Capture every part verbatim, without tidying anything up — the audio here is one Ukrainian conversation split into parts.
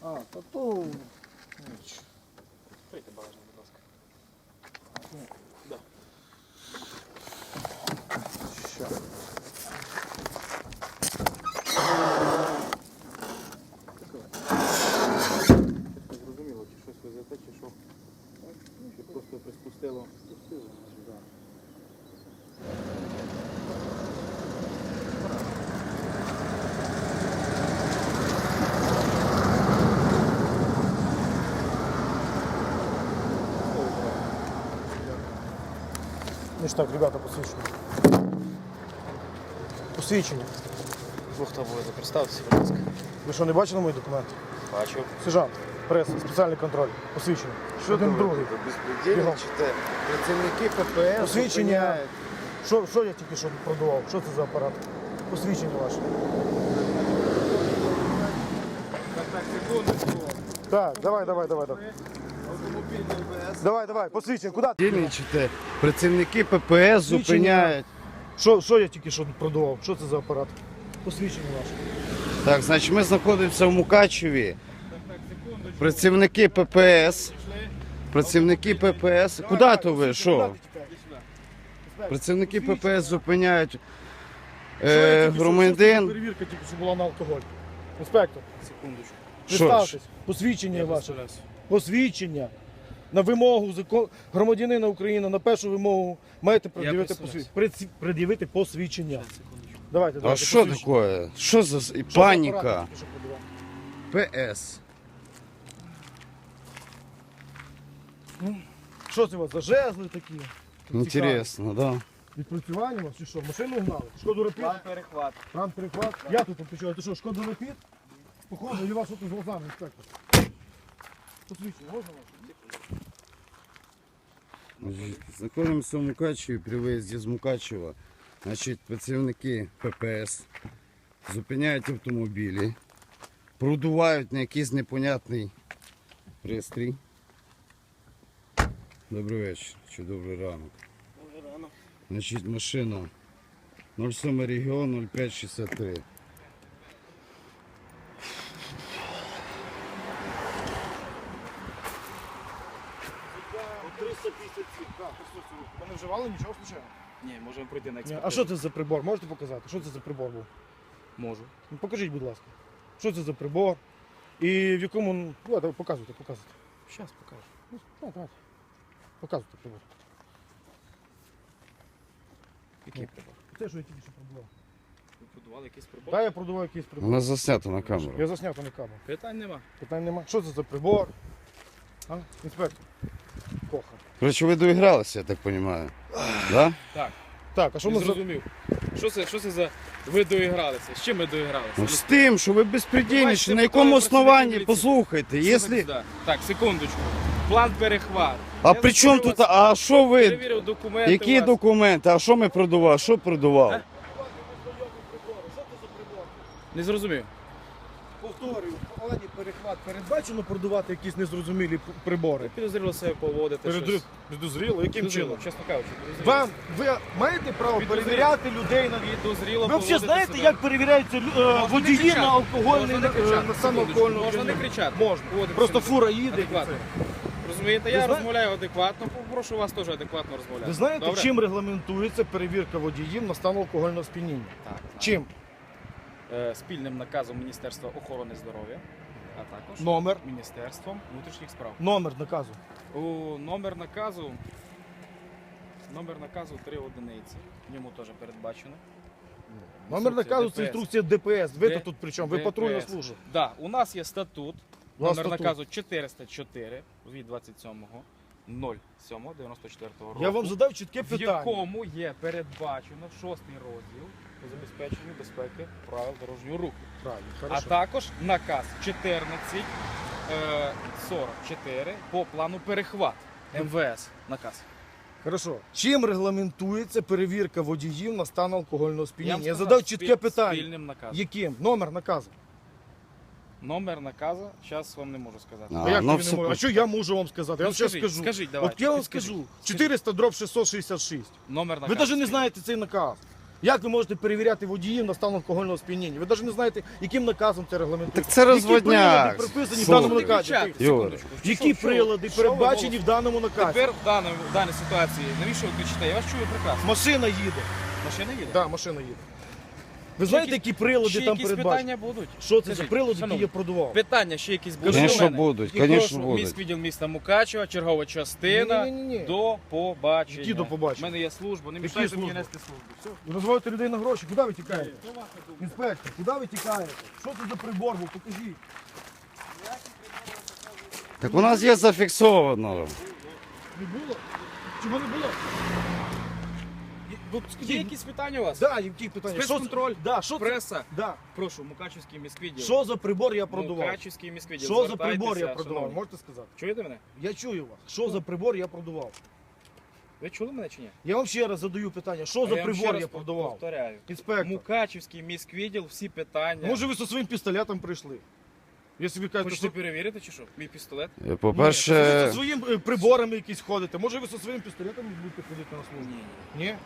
А, то то... Ніч. Прийти багажник, будь ласка. Да. Що? Не зрозуміло, чи щось везете, чи що? Чи просто приспустило? Спустило, да. Ну ж так, ребята, посвідчення. Посвідчення. Ви хто буде? Представтеся, будь ласка. Ви що, не бачили мої документи? Бачу. Сержант, преса, спеціальний контроль, посвідчення. Що Один там другий. ви безпредельничаєте? Працівники ППС Посвідчення. зупиняють. Що, що я тільки що продавав? Що це за апарат? Посвідчення ваше. Так, так, секундочку. Так, давай, давай, давай. Давай, Автомобіль ППС. давай, давай. Посвідчення, куди? Безпредельничаєте? Працівники ППС зупиняють. Що, що я тільки що продавав? Що це за апарат? Посвідчення ваше. Так, значить ми знаходимося в Мукачеві. Працівники ППС. Працівники ППС. Куди то ви? Що? Працівники ППС зупиняють е, громадян. Перевірка тільки що була на алкоголь. Інспектор, Секундочку. Що ж? представтесь. Посвідчення ваше. Посвідчення. На вимогу закон... громадянина України, на першу вимогу маєте пред'явити представляюсь. посвідчення. Пред'явити посвідчення. Секундочку. Давайте, А давайте. що посвідчення. таке? Що за Що за паніка? апарат тільки що продавав? ПС. Що це у вас за жезли такі? Інтересно, да. Відпрацювання у вас чи що? Машину гнали? Шкоду Рапід? План перехват. Ран перехват? Я тут почув. Ти що, Шкода Рапід? Похоже, і вас тут з глазами, інспектор. Посвідчення, можна ваше? Знаходимося в Мукачеві при виїзді з Мукачева. Значить, працівники ППС зупиняють автомобілі, продувають на якийсь непонятний пристрій. Добрий вечір, чи добрий ранок. Дуже рано. Значить, машина нуль сім регіон нуль п'ять шістдесят три. триста п'ятдесят сім, так, ви не вживали нічого случайно? Ні, можемо пройти на Ні. експертизу. А що це за прибор? Можете показати? Що це за прибор був? Можу. Ну, покажіть, будь ласка. Що це за прибор? І в якому... Ну, давайте, показуйте, показуйте. Зараз покажу. Ну, так, давайте. Показуйте прибор. Який прибор? Це, що я тільки що продавав. Ви продували якийсь прибор? Так, я продавав якийсь прибор. Вона заснята на камеру. Я засняв на камеру. Питань нема. Питань нема. Що це за прибор? А? Інспектор. Коха. Коротше, ви доігралися, я так розумію. Да? Так, Так, а що не ми за... зрозумів. Що це, що це за... Ви доігралися? З чим ми доігралися? Ну, з тим, що ви безпредельничаєте, на Бачите, якому поколи основанні, працівників послухайте, Слухайте якщо... сюди. Так, секундочку. План перехват. А Я при чому зупинив тут, вас, а що ви, перевірив документи які у вас. документи, а що ми продували, що продував? Е? Не зрозумів. Повторюю, в плані перехват передбачено продавати якісь незрозумілі п- прибори. Підозріло себе поводити. Перед... щось. Підозріло? Яким Підозріло, чином? чесно кажучи. підозріло. Вам, ви маєте право Підозріло. перевіряти людей на... Підозріло Ви поводити взагалі знаєте, себе. як перевіряються лю- е, Можна не водії кричати. на алкогольний, Можна не е, кричати. на Секундочку. самоалкогольну Можна не п'яніння? кричати. Можна. Поводитися Просто себе фура їде. і адекватно. це. Розумієте, Ви я зна- розмовляю адекватно, попрошу вас теж адекватно розмовляти. Ви знаєте, Добре? чим регламентується перевірка водіїв на стан алкогольного сп'яніння? Так, знаю. Чим? Е, Спільним наказом Міністерства охорони здоров'я, а також Номер. Міністерством внутрішніх справ. Номер наказу. У номер наказу номер наказу три одиниці. В ньому теж передбачено. Номер Інструкція наказу це ДПС. інструкція ДПС. Ви Де- то тут при чому? Ви Де- патрульна ДПС. служба. Да, у нас є статут. У вас Номер статут. наказу чотириста чотири від двадцять сьомого сьомого дев'яносто четвертого року. Я вам задав чітке в питання. якому є передбачено шостий розділ по забезпеченню безпеки правил дорожнього руху. Правильно, А хорошо. також наказ чотирнадцять сорок чотири по плану перехват. ем ве ес наказ. Хорошо. Чим регламентується перевірка водіїв на стан алкогольного сп'яніння? Я, вам задав сказав, чітке спіль- питання. Спільним наказом. Яким? Номер наказу. Номер наказу, зараз вам не можу сказати. А, А, як ну тобі все не можу? А по- що я можу вам сказати? Я Ну, вам зараз скажіть, скажу. скажіть, От давайте, я вам підскажіть. скажу. Скажіть. чотириста дроб шістсот шістдесят шість. Номер Ви наказу. навіть не знаєте цей наказ. Як ви можете перевіряти водіїв на стан алкогольного сп'яніння? Ви навіть не знаєте, яким наказом це регламентується. Так це розводняк. Які прилади приписані в Слухай. даному наказі? Кричати, Юра. секундочку. Які Що- що- прилади що ви передбачені в даному наказі? Тепер в даній, в даній ситуації, навіщо ви кричите? Я вас чую прекрасно. Машина їде. Машина їде? Так, да, машина їде. Ви знаєте, які прилади Ще там якісь передбачені? питання будуть? Що це за Скажіть, прилади, які шановні, я продував? Питання ще якісь будуть? Конечно, до мене? будуть, Прошу, конечно, будуть. Міськвідділ міста Мукачева, чергова частина. Ні-ні-ні-ні. До побачення. Які до побачення? У мене є служба, не Які мішайте мені служби? нести службу. Все. Ви називаєте людей на гроші. Куди ви тікаєте? Інспектор, куди ви тікаєте? Що це за прибор був? Покажіть. Так у нас є зафіксовано. Не було? Чого не було? От Є скажіть, якісь питання у вас? да, які питання? Що це- Спецконтроль, Да, що це? преса. Да. Прошу, Мукачівський міськвідділ. Що за прибор я продував? Мукачівський міськвідділ. Що за прибор я Звертайтеся, продував? шановні. Можете сказати? Чуєте мене? Я чую вас. Що за прибор я продував? Ви чули мене чи ні? Я вам ще раз задаю питання. Що А за я вам ще прибор раз я продував? Повторяю. Інспектор. Мукачівський міськвідділ, всі питання. Може ви зі своїм пістолетом прийшли? Якщо ви кажете, Хочете що... перевірити чи що? Мій пістолет? Ні, ви По-перше, зі своїм е, приборами якісь ходите. Може ви зі своїм пістолетом будете ходити на службу? Ні?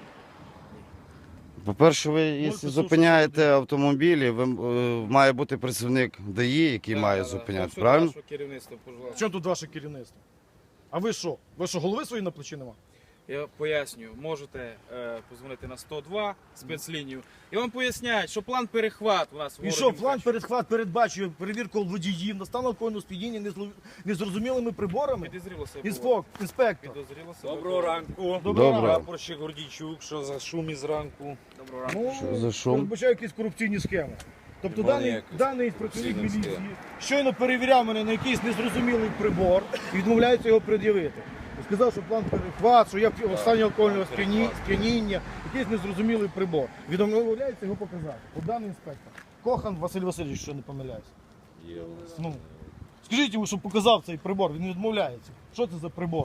по-перше, ви, якщо слухати. зупиняєте автомобілі, ви, е, має бути працівник ДАІ, який Да, має да, да. зупиняти, Все правильно? до вашого керівництва, В пожалуйста. чому тут ваше керівництво? А ви що? Ви що, голови свої на плечі нема? Я пояснюю, можете е, позвонити на сто два спецлінію. І вам поясняють, що план перехват у нас в І городі що, план Мукачево. передхват передбачує перевірку водіїв на стан алкогольного сп'яніння незло- незрозумілими приборами? Підозріло себе. Інспок, інспектор. Підозріло себе. Доброго ранку. Доброго Добре. Прапорщик Гордійчук, що за шум із ранку? Доброго ранку. Ну, Що за шум? передбачаю якісь корупційні схеми. Тобто Немає даний, ніяких даний працівник корупційних міліції схем. щойно перевіряв мене на якийсь незрозумілий прибор і відмовляється його пред'явити. Сказав, що план перехват, що я в стані алкогольного сп'яні- сп'яніння, якийсь незрозумілий прибор. Відмовляється його показати. От даний інспектор. Кохан Василь Васильович, що не помиляюсь. Є у нас. Ну, скажіть йому, щоб показав цей прибор, він відмовляється. Що це за прибор?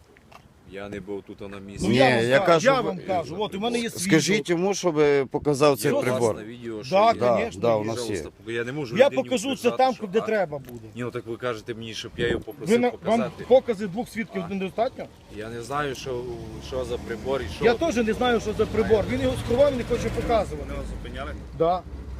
Я не був тут на місці. Ну, Ні, я вам, я кажу, кажу, я ви- вам кажу, от у мене є свідок. Скажіть йому, щоб показав цей Що це? прибор. На відео, Да, що є. Да, конечно, да, є. у нас є. Пожалуйста, поки я не можу Я людині покажу це утверждати, там, що- де а, треба буде. Ні, ну так ви кажете мені, щоб я його Ви попросив на, вам показати. покази двох свідків недостатньо? Я не знаю, що, що за прибор і що. Я теж не знаю, що за прибор. Він його сховав і не хоче показувати. Вони вас зупиняли? Да.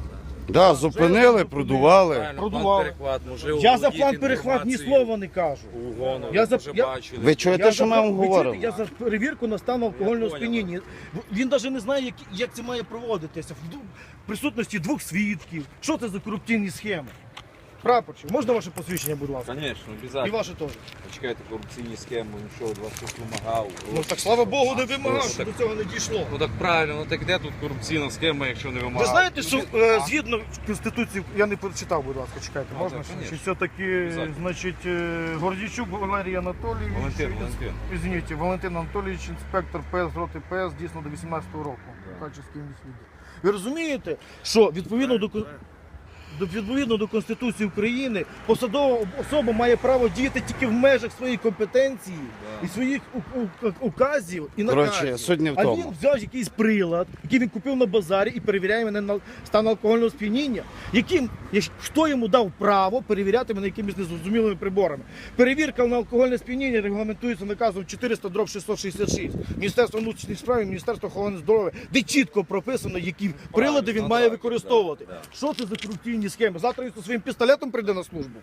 Да, зупинили, продували. Правильно, Продували. план перехват, можливо, Я за володіти план перехват ні інформацією. слова не кажу. Угону, Я ви за- вже я- бачили. Ви чуєте, Я що за- ми вам ви чуєте, говоримо? Я за перевірку на стан алкогольного понял. сп'яніння. Він навіть не знає, як, як це має проводитися. В ду- присутності двох свідків. Що це за корупційні схеми? Прапорчик, можна ваше посвідчення, будь ласка? Звісно, І обов'язково. ваше теж. Почекайте, корупційні схеми, ну що, від вас хтось вимагав. Ну так слава Богу, не вимагав, Ну, що так- до цього не дійшло. Ну так правильно, ну так де тут корупційна схема, якщо не вимагав? Ви знаєте, що Ну, е, а? згідно Конституції, я не прочитав, будь ласка, чекайте, Ну, можна? так, Чи конечно. все-таки, Обязательно. значить, е, Гордійчук Валерій Анатолійович, Валентин, Валентин. Извините, Валентин Анатолійович, інспектор ПС, роти ПС, дійсно до вісімнадцятого року. Да. Качівський міськвідділ. Ви розумієте, що відповідно до, кон- до, відповідно до Конституції України посадова особа має право діяти тільки в межах своєї компетенції Да. і своїх у- у- указів і Коротше, наказів. суть не в А він тому. взяв якийсь прилад, який він купив на базарі і перевіряє мене на стан алкогольного сп'яніння. Яким, як- хто йому дав право перевіряти мене якимись незрозумілими приборами? Перевірка на алкогольне сп'яніння регламентується наказом чотириста дроб шістсот шістдесят шість. Міністерство внутрішніх справ і Міністерство охорони здоров'я, де чітко прописано, які прилади він ну має так, використовувати. да, да. Що це за корупційні схеми? Завтра він зі своїм пістолетом прийде на службу.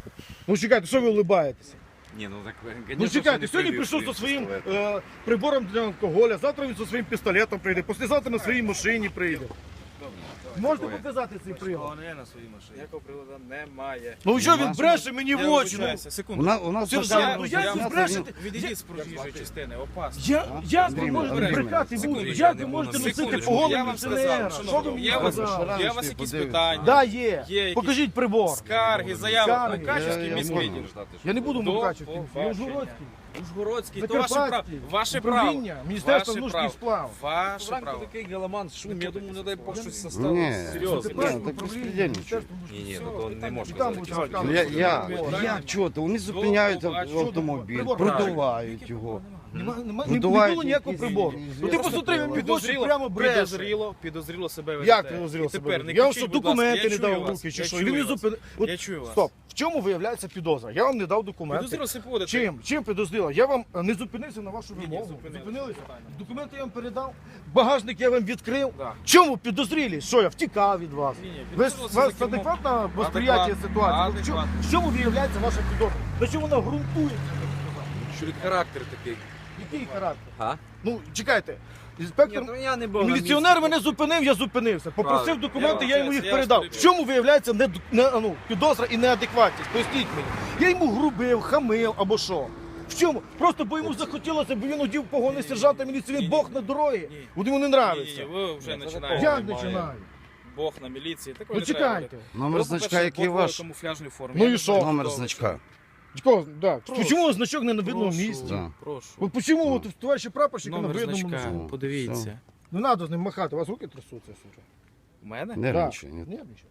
Ну чекайте, що ви улибаєтеся? Ні, ну так, Ну конечно, чекайте, що не сьогодні прийде прийшов зі своїм пістолет. е, прибором для алкоголя, завтра він зі своїм пістолетом прийде, післязавтра на своїй машині прийде. Можете показати цей прилад? Ніякого приладу немає. Ну що він Нема. бреше мені Я в очі? Ну, вибачаюся, У секунду. нас, у нас Сержант, машина ну як ви розганяться, брешете? Відійдіть з проїжджої частини, опасно. Я, як ви Андрій, можете Андрій, брехати в секунду, очі? я Як не ви буду можете на носити секундочку, по голові я вам пенсіонера? сказав, Що ви мені я вас- сказали? Є у вас якісь подивимось. питання? Да, є. Є якісь- Покажіть прибор. Скарги, заяви. Скарги. Мукачівський Я- я міськвідділ. можу. Я не буду До Мукачівський, я побачення. Ужгородський. Ужгородський, то ваше право. Закарпатський. Ваше право. Управління, Міністерство Ваше внутрішніх право. справ. Ваше Вранку право. такий галаман, шум, я думаю, не дай Бог щось Ні, составилось. Серйозно. Закарпатське так управління, безпредельничай. Міністерство внутрішніх Ні, ні, справ. ну то не можна І там за будуть такі розказувати. Ну, я, я, Прибор. як чого? Вони зупиняють побачення. автомобіль, Прибор. продувають його. Нема, нема, не, не Видувають було ніякого якісь- прибору. якісь- Ну ти посмотри, він мені в очі Підозріло, прямо бреше. підозріло, підозріло себе ведете. Як підозріло І себе? тепер не Я вам кричіть, що, будь ласка, документи я не чую дав в вас, руки, чи я що? чую Він не вас. зупинив. От, Я чую вас. Стоп. В чому виявляється підозра? Я вам не дав документи. Підозріло себе поводите. Чим? Чим підозріло? Я вам е, не зупинився на вашу Ні, ні, вимогу. зупинилися. Зупинилися? Питання. Документи я вам передав, багажник я вам відкрив. Да. Чому підозрілі? Що я втікав від вас? Ні, ні, Ви ж- підозріло у це вас за кермом. адекватне восприяття Адекватно. ситуації? Ну, в чому- Адекватно. В чому виявляється ваша підозра? На чому вона ґрунтується? Що характер такий. Який характер? А? Ну, чекайте. Інспектор, Ні, ну я не був на міліціонер місці. мене зупинив, я зупинився. Попросив Правильно. документи, Я я вам йому їх це- я передав. вас В чому виявляється не, не, ну, підозра і неадекватність? Поясніть мені. Я йому грубив, хамив або що? В чому? Просто бо йому захотілося, бо він одів погони сержанта міліції, він Бог на дорогі. Ні. От йому не Ні, ні, нравиться. ви вже Ні, це починаєте. Як немає. починаю? Бог на міліції. Такого Ну не треба чекайте. робити. Номер Ви, значка, по-перше, який подвоїли ваш? камуфляжній формі. Ну Я і не що? знаю, Номер хто ви. значка. Чого? Да. Прошу. Чому значок не на видному Прошу, місці? Да. Прошу. От чому от товариші прапорщика на Номер видному значка. носу? Подивіться. Не треба з ним махати, у вас руки трясуться, сука. У мене? Нервничай. ні. Нервничай.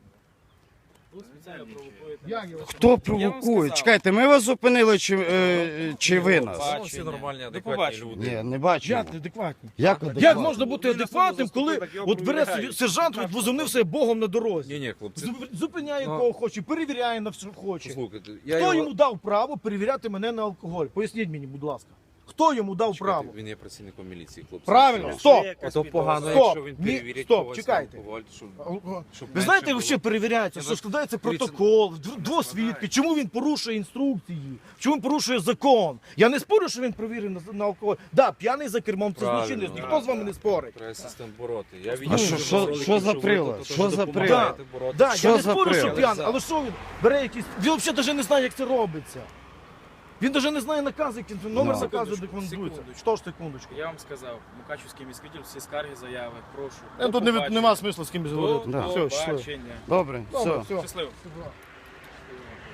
Ви спеціально провокуєте. Як я вас- Хто Я провокує? вам сказав. Чекайте, ми вас зупинили чи, е, чи ви нас? Бачення. Ну, всі нормальні, До адекватні побачення. люди. Ні, не бачу. Як неадекватні? Як Як адекватно? можна бути адекватним, коли от бере собі сержант, от возомнив себе Богом на дорозі? Ні, ні, хлопці. Зуп- Зупиняє Ну. кого хоче, перевіряє на все хоче. Послухайте, я Хто його... йому дав право перевіряти мене на алкоголь? Поясніть мені, будь ласка. Хто йому дав Чекайте, право? Він є працівником міліції, хлопці. Правильно, Що? стоп. Ото погано, Стоп. якщо він Ні, перевірить стоп, когось чекайте. на алкоголь, щоб... щоб Ви менше знаєте, було. що перевіряється, Ні, що ну, складається дивіться, протокол, дв- двосвідки, чому він порушує інструкції, чому він порушує закон. Я не спорю, що він перевірений на, на алкоголь. Да, п'яний за кермом це Правильно, злочинець, ніхто да, з вами да. не спорить. Треба систем бороти. Я А відео що- дуже що- роликів, що за ви прилад? тут Що теж за допомагаєте прилад? боротися. Да, Що я не за спорю, що прилад? п'яний, але що він бере якісь. Він взагалі навіть не знає, як це робиться. Він навіть не знає накази, який це номер Ну. заказу Секундочку, документується. секундочку. Що ж секундочку? Я вам сказав, Мукачівський міськвідділ, всі скарги, заяви, прошу. Е, До Тут не, від- побачення. нема смислу з кимось До говорити. Да. Все, щасливо. побачення. Добре, Добре, все. все. Щасливо.